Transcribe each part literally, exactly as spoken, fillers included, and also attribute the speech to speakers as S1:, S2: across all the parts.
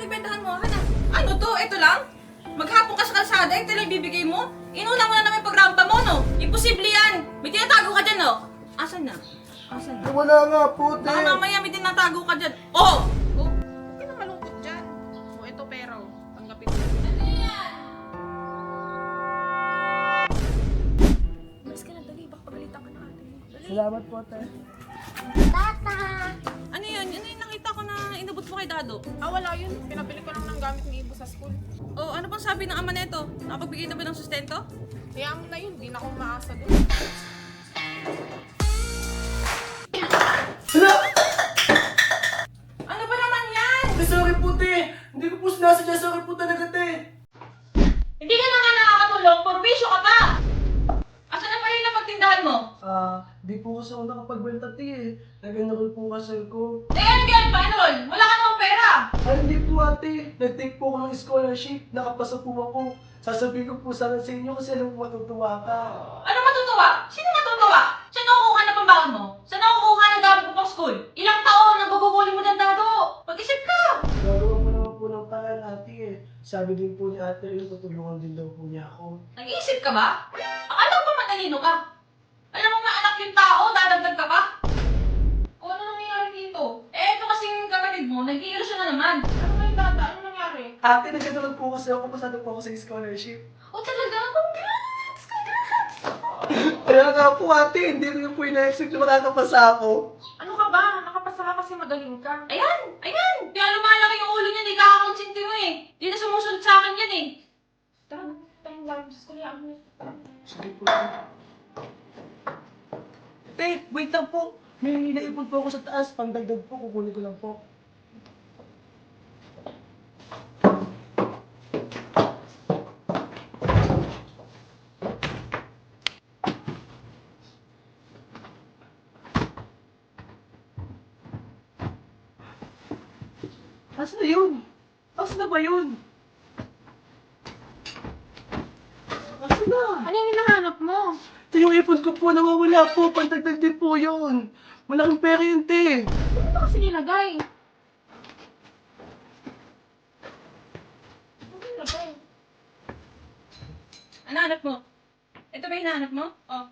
S1: pinagbentahan mo? Akin na. Ano to? Ito lang? Maghapon ka sa kalsada, ito lang ibibigay mo? Inuna mo na namin pagrampa mo, no? Imposible yan! May tinatago ka dyan, no? Asan na? Asan na?
S2: Wala nga po, te.
S1: Baka mamaya may tinatago ka dyan. Oh!
S3: Oh, huwag ka na malungkot dyan. O, ito pera, oh. Tanggapin mo.
S1: Ano yan?
S3: Mas ka na, dali. Baka pagalitan ka na ate. Dali.
S2: Salamat po, te.
S4: Tata!
S1: Ano yan? Ano yung nakita ko na inabot mo kay Dado?
S3: Ah, wala yun. Pinabili ko lang ng gamit ni Ibo sa school.
S1: Oh, ano pang sabi ng ama neto? Nakapagbigay na ba ng sustento?
S3: Kaya mo na yun. Di na ako maasa doon.
S2: Hala!
S1: Ano ba naman yan?
S2: Te, sorry po, te. Hindi ko po sinasadya. Sorry po talaga, te.
S1: Hindi ka na nga nakakatulong, purbisyo ka pa! Asan na pala yung napagtindahan mo?
S2: Ah, di po kasi ako nakapagbenta, te, eh. Nag-enroll po kasi ko.
S1: Eh, ano yan pa, Enol? Wala ka namang pera!
S2: Ay, hindi po, ate. Nag-take po ako ng scholarship. Nakapasa po ako. Sasabihin ko po sana sa inyo kasi alam mo matutuwa ka.
S1: Ano matutuwa? Sino matutuwa? Saan nakukuha na pambaon mo? Saan nakukuha ng gamit mo pang school? Ilang taon nang guguguli mo ng Dado? Mag-isip ka!
S2: Gagawa mo naman po ng paraan, ate, eh. Sabi din po ni ate, yun, tutulungan din daw po niya ako.
S1: Nag-iisip ka ba? Akala ko ba matalino ka? Alam mo nga anak yung tao, dadagdag ka pa? O ano nangyayari dito? Eh, ito kasing kapatid mo, nag-iilusyon na naman.
S3: Ano ba yung tata? Ano nangyari?
S2: Ate, nag-enroll po kasi ako. Pasado po ako sa scholarship.
S1: O talaga? Congrats! Congrats!
S2: Kaya nga po, ate. Hindi rin po ina-expect na makakapasa ako.
S3: Ano ka ba? Nakapasa ka kasi magaling ka.
S1: Ayan! Ayan! Kaya lumalaki yung ulo niya, hindi kakakonsinti mo eh. Hindi na sumusunod sa akin yan eh.
S3: Tara, tayong gamit sa school. Yan.
S2: Sige po. Te, wait lang po. May naipon po ako sa taas. Pangdagdag po, kukunin ko lang po. Asan na yun? Asan na ba yun? Asan na?
S3: Ano yung hinahanap mo?
S2: Ito yung ipon ko po, nawawala po. Pantagdag din po yun. Malaking pera yun, te.
S3: Ano ba kasi nilagay? Ano ba nilagay?
S1: Ano hanap mo? Ito ba yung hinahanap mo? Oh.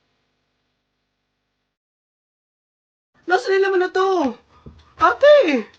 S2: Nasaan nila naman na to? Ate!